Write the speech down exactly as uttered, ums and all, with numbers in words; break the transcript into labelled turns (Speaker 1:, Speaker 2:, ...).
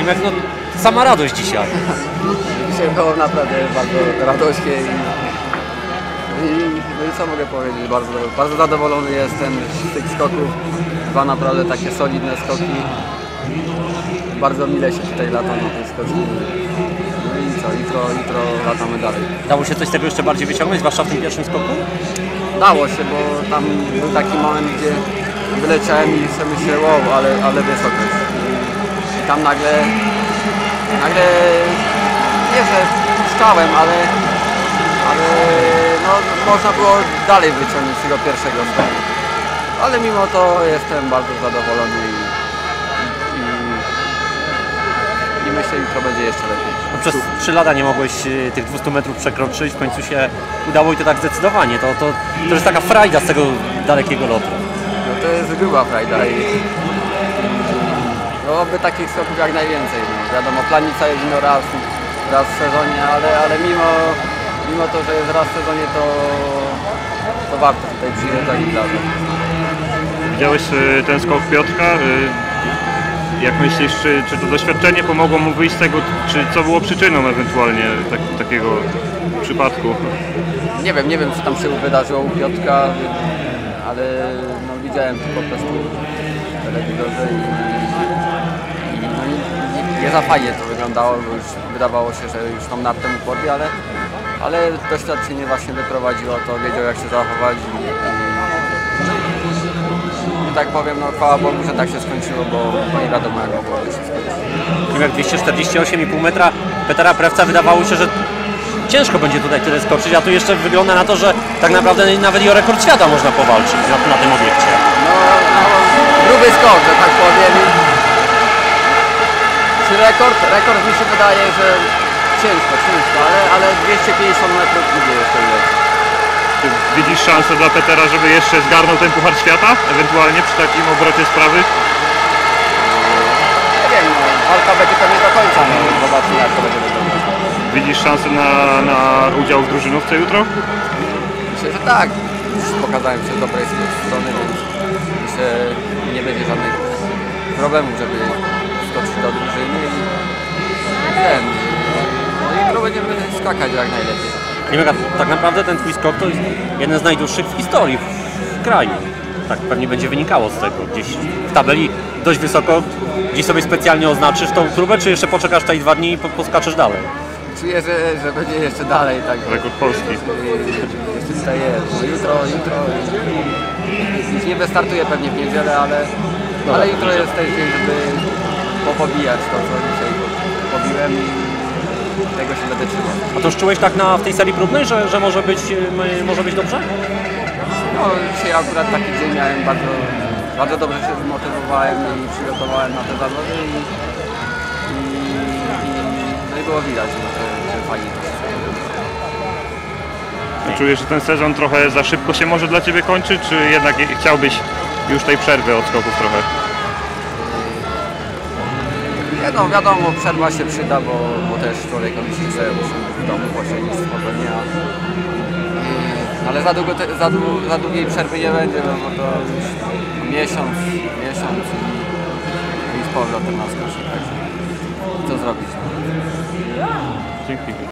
Speaker 1: Klimek, no sama radość dzisiaj.
Speaker 2: Dzisiaj było naprawdę bardzo radośnie i, i, no i co mogę powiedzieć, bardzo, bardzo zadowolony jestem z tych skoków. Dwa naprawdę takie solidne skoki. Bardzo mile się tutaj lata na tej skoczni. No i co, jutro, jutro latamy dalej.
Speaker 1: Dało się coś z tego jeszcze bardziej wyciągnąć, zwłaszcza w tym pierwszym skoku?
Speaker 2: Dało się, bo tam był taki moment, gdzie wyleciałem i sobie myślę, wow, ale, ale wysokość. I tam nagle, nagle, nie że puszczałem, ale, ale no, można było dalej wyciągnąć z tego pierwszego skoku. Ale mimo to jestem bardzo zadowolony i, i, i myślę, że jutro będzie jeszcze lepiej.
Speaker 1: No przez trzy lata nie mogłeś tych dwustu metrów przekroczyć, w końcu się udało i to tak zdecydowanie. To, to, to jest taka frajda z tego dalekiego lotu.
Speaker 2: No to jest gruba frajda i no by takich skoków jak najwięcej. No. Wiadomo, planica jest no raz, raz w sezonie, ale, ale mimo, mimo to, że jest raz w sezonie, to, to warto tutaj przyjeżdżać i plażę.
Speaker 3: Widziałeś ten skok Piotrka? Jak myślisz, czy, czy to doświadczenie pomogło mu wyjść z tego, czy co było przyczyną ewentualnie tak, takiego przypadku? Nie
Speaker 2: wiem, nie wiem co tam się wydarzyło u Piotrka, ale no, widziałem to po prostu w telewizorze i, i no, nie, nie za fajnie to wyglądało, bo już wydawało się, że już tą nartę mu porwie, ale, ale doświadczenie właśnie wyprowadziło to, wiedział jak się zachować i, i tak powiem, no chwała Bogu, że tak się skończyło, bo, bo nie wiadomo jak mogło się skończyć.
Speaker 1: Klimek dwieście czterdzieści osiem i pół metra Petera Prewca, wydawało się, że ciężko będzie tutaj tyle skoczyć, a tu jeszcze wygląda na to, że tak naprawdę nawet i o rekord świata można powalczyć na, na tym obiekcie.
Speaker 2: No, no gruby skok, że tak powiem. Czy rekord? Rekord mi się wydaje, że ciężko, ciężko, ale, ale dwieście pięćdziesiąt metrów nigdy jeszcze leci.
Speaker 3: Czy widzisz szansę dla Petera, żeby jeszcze zgarnął ten Puchar Świata? Ewentualnie przy takim obrocie sprawy?
Speaker 2: Nie wiem, no, walka będzie pewnie do końca, no, zobaczymy jak to będzie wyglądać.
Speaker 3: Widzisz szansę na, na udział w drużynówce jutro?
Speaker 2: Myślę, że tak. Już pokazałem się z dobrej strony, więc myślę, że nie będzie żadnych problemów, żeby skoczyć do drużyny i ten. No i jutro będziemy skakać jak najlepiej.
Speaker 1: Klimek, tak naprawdę ten twój skok to jest jeden z najdłuższych w historii w kraju. Tak pewnie będzie wynikało z tego. Gdzieś w tabeli dość wysoko, gdzieś sobie specjalnie oznaczysz tą próbę, czy jeszcze poczekasz tutaj dwa dni i poskaczesz dalej?
Speaker 2: Czuję, że, że będzie jeszcze dalej. Tak.
Speaker 3: Rekord polski.
Speaker 2: Jeszcze tutaj jest. No jutro, jutro. Już nie wystartuję pewnie w niedzielę, ale, no, ale jutro jest ten dzień, żeby popobijać to, co dzisiaj pobiłem i tego się będę trzymał.
Speaker 1: A to już czułeś tak na, w tej serii próbnej, że, że może, być, może być dobrze?
Speaker 2: No dzisiaj akurat taki dzień miałem, bardzo, bardzo dobrze się zmotywowałem i przygotowałem na te zawody i, i, i, no i było widać, że, że fajnie to się
Speaker 3: Czy czujesz, że ten sezon trochę za szybko się może dla Ciebie kończy, czy jednak chciałbyś już tej przerwy od skoków trochę?
Speaker 2: No wiadomo, przerwa się przyda, bo, bo też człowiek myśli, że musi być w domu posiedzieć spokojnie, ale za, długo te, za, dłu, za długiej przerwy nie będzie, no bo to już miesiąc, miesiąc i, i z powrotem na skocznie, także co zrobić?
Speaker 3: Dzięki.